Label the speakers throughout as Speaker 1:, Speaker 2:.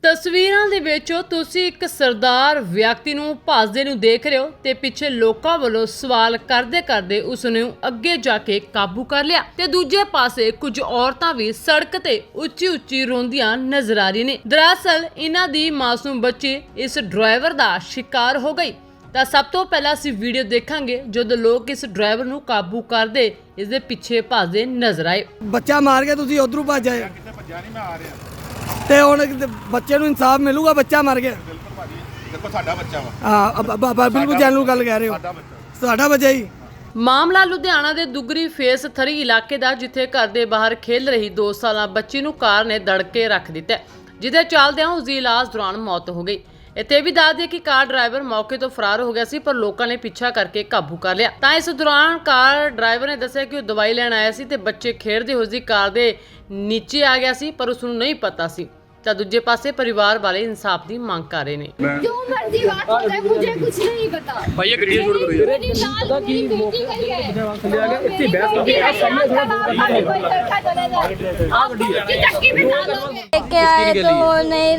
Speaker 1: ਤਸਵੀਰਾਂ ਦੇ ਵਿੱਚ ਤੁਸੀਂ ਇੱਕ ਸਰਦਾਰ ਵਿਅਕਤੀ ਨੂੰ ਭੱਜਦੇ ਨੂੰ ਦੇਖ ਰਹੇ ਹੋ ਤੇ ਪਿੱਛੇ ਲੋਕਾਂ ਵੱਲੋਂ ਸਵਾਲ ਕਰਦੇ ਉਸ ਨੂੰ ਅੱਗੇ ਜਾ ਕੇ ਕਾਬੂ ਕਰ ਲਿਆ ਤੇ ਦੂਜੇ ਪਾਸੇ ਕੁਝ ਔਰਤਾਂ ਵੀ ਸੜਕ ਤੇ ਉੱਚੀ ਰੋਂਦੀਆਂ ਨਜ਼ਰ ਆ ਰਹੀਆਂ ਨੇ। ਦਰਅਸਲ ਇਹਨਾਂ ਦੀ ਮਾਸੂਮ ਬੱਚੀ ਇਸ ਡਰਾਈਵਰ ਦਾ ਸ਼ਿਕਾਰ ਹੋ ਗਈ। ਤਾਂ ਸਭ ਤੋਂ ਪਹਿਲਾਂ ਅਸੀਂ ਵੀਡੀਓ ਦੇਖਾਂਗੇ ਜਦੋਂ ਲੋਕ ਇਸ ਡਰਾਈਵਰ ਨੂੰ ਕਾਬੂ ਕਰਦੇ ਇਸ ਦੇ ਪਿੱਛੇ ਭੱਜਦੇ ਨਜ਼ਰ ਆਏ।
Speaker 2: ਬੱਚਾ ਮਾਰ ਕੇ ਤੁਸੀਂ ਉਧਰੋਂ ਭੱਜ ਆਏ।
Speaker 3: ਕਿਤੇ ਭੱਜਿਆ ਨਹੀਂ, ਮੈਂ ਆ ਰਿਹਾ।
Speaker 2: ਤੇ ਹੁਣ ਬੱਚੇ ਨੂੰ ਇਨਸਾਫ ਮਿਲੂਗਾ? ਬੱਚਾ ਮਰ ਗਿਆ।
Speaker 3: ਬਿਲਕੁਲ ਭਾਜੀ, ਦੇਖੋ ਸਾਡਾ ਬੱਚਾ ਵਾ।
Speaker 2: ਹਾਂ ਬਿਲਕੁਲ ਜੈਨੂਇਨ ਗੱਲ ਕਹਿ ਰਹੇ ਹੋ।
Speaker 3: ਸਾਡਾ ਬੱਚਾ,
Speaker 2: ਸਾਡਾ ਬੱਚਾ ਹੀ।
Speaker 1: ਮਾਮਲਾ ਲੁਧਿਆਣਾ ਦੇ ਦੁੱਗਰੀ ਫੇਸ 3 ਇਲਾਕੇ ਦਾ, ਜਿੱਥੇ ਘਰ ਦੇ ਬਾਹਰ ਖੇਲ ਰਹੀ 2 ਸਾਲਾ ਬੱਚੀ ਨੂੰ ਕਾਰ ਨੇ ਦੜ ਕੇ ਰੱਖ ਦਿੱਤਾ, ਜਿਹਦੇ ਚੱਲਦਿਆਂ ਉਸ ਦੀ ਇਲਾਜ ਦੌਰਾਨ ਮੌਤ ਹੋ ਗਈ। ਇੱਥੇ ਵੀ ਦੱਸ ਦਈਏ ਕਿ ਕਾਰ ਡਰਾਈਵਰ ਮੌਕੇ ਤੋਂ ਫਰਾਰ ਹੋ ਗਿਆ ਸੀ, ਪਰ ਲੋਕਾਂ ਨੇ ਪਿੱਛਾ ਕਰਕੇ ਕਾਬੂ ਕਰ ਲਿਆ। ਤਾਂ ਇਸ ਦੌਰਾਨ ਕਾਰ ਡਰਾਈਵਰ ਨੇ ਦੱਸਿਆ ਕਿ ਉਹ ਦਵਾਈ ਲੈਣ ਆਇਆ ਸੀ ਤੇ ਬੱਚੇ ਖੇਡਦੇ ਹੋਏ ਉਸ ਦੀ ਕਾਰ ਦੇ ਨੀਚੇ ਆ ਗਿਆ ਸੀ, ਪਰ ਉਸ ਨੂੰ ਨਹੀਂ ਪਤਾ ਸੀ। ਤਾਂ ਦੂਜੇ ਪਾਸੇ ਪਰਿਵਾਰ ਵਾਲੇ ਇਨਸਾਫ ਦੀ ਮੰਗ ਕਰ ਰਹੇ ਨੇ।
Speaker 4: जो मर्जी बात हो जाए, मुझे कुछ नहीं पता।
Speaker 5: भाई ये गड्डी छोड़ करो यार।
Speaker 4: मेरी लाल मेरी बेटी गई है। इतनी बहस करके आप सामने कोई लड़का चले जाए, आप उसकी चक्की बिठा दोगे।
Speaker 6: लेके आए तो वो नहीं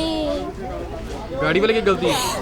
Speaker 6: रही।
Speaker 5: गाड़ी वाले की गलती है।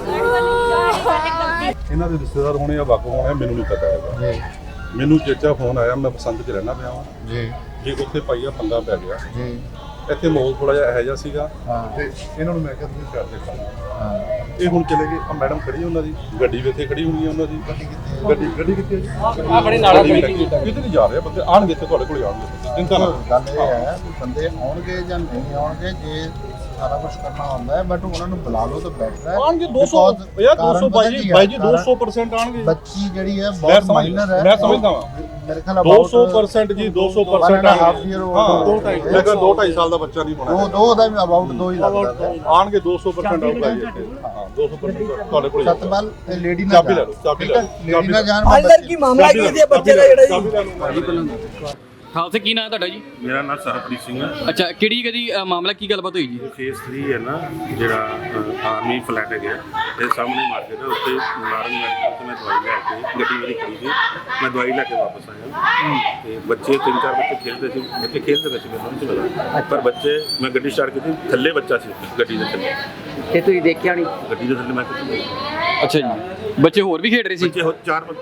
Speaker 3: ਇਹਨਾਂ ਦੇ ਰਿਸ਼ਤੇਦਾਰ ਹੋਣੇ ਜਾਂ ਵਾਕਫ ਹੋਣੇ ਮੈਨੂੰ ਨਹੀਂ ਪਤਾ ਹੈਗਾ ਜੀ। ਮੈਨੂੰ ਚੇਚਾ ਫੋਨ ਆਇਆ, ਮੈਂ ਪਸੰਦ 'ਚ ਰਹਿਣਾ ਪਿਆ ਵਾਂ ਜੀ। ਜੇ ਉੱਥੇ ਪਾਈਆ ਪੰਗਾ ਪੈ ਗਿਆ ਜੀ। ਇੱਥੇ ਮਾਹੌਲ ਥੋੜਾ ਜਿਹਾ ਇਹੋ ਜਿਹਾ ਸੀਗਾ ਤੇ ਇਹਨਾਂ ਨੂੰ ਮੈਂ ਕਿਹਾ ਤੁਸੀਂ ਛੱਡ ਦੇ ਕੰਮ। ਇਹ ਹੁਣ ਚਲੇ ਗਏ। ਆ ਮੈਡਮ ਖੜੀ ਉਹਨਾਂ ਦੀ ਗੱਡੀ ਵੀ ਇੱਥੇ ਖੜੀ ਹੋਣੀ ਹੈ ਉਹਨਾਂ ਦੀ। ਗੱਡੀ ਕਿੱਥੇ ਹੈ ਜੀ?
Speaker 5: ਆਪਣੇ ਨਾਲ
Speaker 3: ਕਿਤੇ ਨਹੀਂ ਜਾ ਰਹੇ ਬੰਦੇ, ਆਣਗੇ ਇੱਥੇ ਤੁਹਾਡੇ ਕੋਲ ਆਉਣਗੇ। ਚਿੰਤਾ ਨਾ ਕਰੋ।
Speaker 7: ਗੱਲ ਇਹ ਹੈ ਕਿ ਬੰਦੇ ਆਉਣਗੇ ਜਾਂ ਨਹੀਂ ਆਉਣਗੇ, ਜੇ ਸਾਰਾ ਕੁਝ ਕਰਨਾ ਹੁੰਦਾ ਹੈ, ਬਟ ਉਹਨਾਂ ਨੂੰ ਬੁਲਾ ਲਓ ਤਾਂ ਬੈਟਰ ਹੈ।
Speaker 3: ਆਣਗੇ 200 ਯਾਰ 200 ਬਾਈ ਜੀ 200% ਆਣਗੇ।
Speaker 7: ਬੱਚੀ ਜਿਹੜੀ ਹੈ ਬਹੁਤ ਮਾਈਨਰ ਹੈ।
Speaker 3: ਮੈਂ ਸਮਝਦਾ ਵਾਂ
Speaker 7: ਮੇਰੇ ਖਿਆਲ
Speaker 3: 200% ਜੀ 200% ਆਣਗੇ। ਹਾਂ 2.5 ਸਾਲ ਦਾ ਬੱਚਾ ਨਹੀਂ ਹੋਣਾ।
Speaker 7: ਦੋ ਦਾ ਵੀ ਅਬਾਊਟ 2 ਹੀ ਲੱਗਦਾ।
Speaker 3: ਆਣਗੇ 200% ਆਊਗਾ ਜੀ ਇੱਥੇ। ਹਾਂ 200% ਤੁਹਾਡੇ ਕੋਲ
Speaker 7: ਸਤਪਾਲ ਤੇ ਲੇਡੀ ਨਾਲ
Speaker 3: ਚਾਬੀ ਲੈ ਲਓ, ਚਾਬੀ ਲੈ ਲਓ।
Speaker 7: ਲੇਡੀ ਨਾਲ ਜਾਣ
Speaker 2: ਅੰਦਰ ਕੀ ਮਾਮਲਾ ਕੀ ਹੈ ਬੱਚੇ ਦਾ ਜਿਹੜਾ ਜੀ?
Speaker 5: हाँ से की नाम है ਤੁਹਾਡਾ ਜੀ?
Speaker 8: ਮੇਰਾ ਨਾਮ ਸਰਪ੍ਰੀਤ ਸਿੰਘ ਹੈ।
Speaker 5: ਅੱਛਾ ਕਿਹੜੀ ਕਦੀ ਮਾਮਲਾ ਕੀ ਗੱਲਬਾਤ ਹੋਈ ਜੀ?
Speaker 8: ਫੇਸ 3 ਹੈ ਨਾ ਜਿਹੜਾ ਆਰਮੀ ਫਲੈਟ ਹੈਗਾ ਤੇ ਸਾਹਮਣੇ ਮਾਰਕੀਟ ਹੈ, ਉੱਥੇ ਨਾਰੰਗ ਮੈਡੀਕਲ ਤੋਂ ਮੈਂ ਦਵਾਈ ਲੈ ਕੇ ਗੱਡੀ ਮੇਰੀ ਖੜੀ ਸੀ, ਮੈਂ ਦਵਾਈ ਲੈ ਕੇ ਵਾਪਸ ਆਇਆ ਤੇ ਬੱਚੇ 3-4 ਬੱਚੇ ਖੇਡਦੇ ਸੀ। ਮੈਨੂੰ ਨਹੀਂ ਲੱਗਾ, ਪਰ ਬੱਚੇ ਮੈਂ ਗੱਡੀ ਸਟਾਰਟ ਕੀਤੀ, ਥੱਲੇ ਬੱਚਾ ਸੀ ਗੱਡੀ ਦੇ ਥੱਲੇ।
Speaker 9: ਤੇ ਤੁਸੀਂ ਦੇਖਿਆ ਨਹੀਂ?
Speaker 8: ਗੱਡੀ ਦੇ ਥੱਲੇ ਮੈਂ ਕਿਹਾ
Speaker 5: ਅੱਛਾ ਜੀ, ਬੱਚੇ ਹੋਰ ਵੀ ਖੇਡ ਰਹੇ ਸੀ?
Speaker 8: ਬੱਚੇ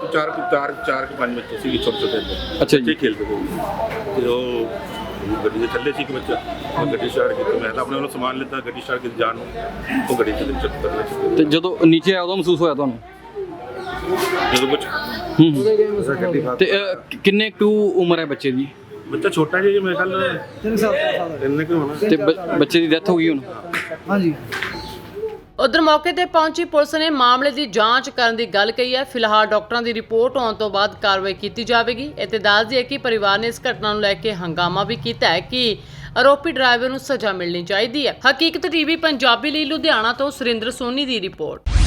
Speaker 8: 4-5 ਬੱਚੇ ਸੀ ਛੋਟੇ।
Speaker 5: ਅੱਛਾ ਜੀ,
Speaker 8: ਖੇਡਦੇ ਸੀ ਤੇ ਉਹ ਗੱਡੀ ਦੇ ਥੱਲੇ ਸੀ ਇੱਕ ਬੱਚਾ। ਮੈਂ ਗੱਡੀ ਸਟਾਰਟ ਕੀਤੀ, ਮੈਂ ਤਾਂ ਆਪਣੇ ਵੱਲੋਂ ਸਮਾਨ ਲਿੱਤਾ, ਗੱਡੀ ਸਟਾਰਟ ਕੀਤੀ ਜਾਣ ਨੂੰ, ਉਹ ਗੱਡੀ ਥੱਲੇ ਚੱਕਰ
Speaker 5: ਤੇ ਜਦੋਂ ਨੀਚੇ ਆਇਆ ਉਦੋਂ ਮਹਿਸੂਸ ਹੋਇਆ ਤੁਹਾਨੂੰ?
Speaker 8: ਜਦੋਂ ਕੁਝ
Speaker 5: ਤੇ ਕਿੰਨੇ ਕੁ ਉਮਰ ਹੈ ਬੱਚੇ ਦੀ?
Speaker 8: ਬੱਚਾ ਛੋਟਾ ਜਿਹਾ, ਮੇਰੇ ਖਿਆਲ
Speaker 2: 3 ਸਾਲ ਦਾ।
Speaker 8: ਇੰਨੇ ਕੁ ਹੋਣਾ।
Speaker 5: ਤੇ ਬੱਚੇ ਦੀ ਡੈਥ ਹੋ ਗਈ ਹੁਣ?
Speaker 2: ਹਾਂਜੀ।
Speaker 1: ਉਧਰ ਮੌਕੇ ਤੇ ਪਹੁੰਚੀ ਪੁਲਿਸ ਨੇ ਮਾਮਲੇ ਦੀ ਜਾਂਚ ਕਰਨ ਦੀ ਗੱਲ ਕਹੀ ਹੈ। ਫਿਲਹਾਲ ਡਾਕਟਰਾਂ ਦੀ ਰਿਪੋਰਟ ਆਉਣ ਤੋਂ ਬਾਅਦ ਕਾਰਵਾਈ ਕੀਤੀ ਜਾਵੇਗੀ। ਇੱਥੇ ਦੱਸ ਦਈਏ ਕਿ ਪਰਿਵਾਰ ਨੇ ਇਸ ਘਟਨਾ ਨੂੰ ਲੈ ਕੇ ਹੰਗਾਮਾ ਵੀ ਕੀਤਾ ਹੈ ਕਿ ਆਰੋਪੀ ਡਰਾਈਵਰ ਨੂੰ ਸਜ਼ਾ ਮਿਲਣੀ ਚਾਹੀਦੀ ਹੈ। ਹਕੀਕਤ ਟੀਵੀ ਪੰਜਾਬੀ ਲਈ ਲੁਧਿਆਣਾ ਤੋਂ ਸੁਰਿੰਦਰ ਸੋਨੀ ਦੀ ਰਿਪੋਰਟ।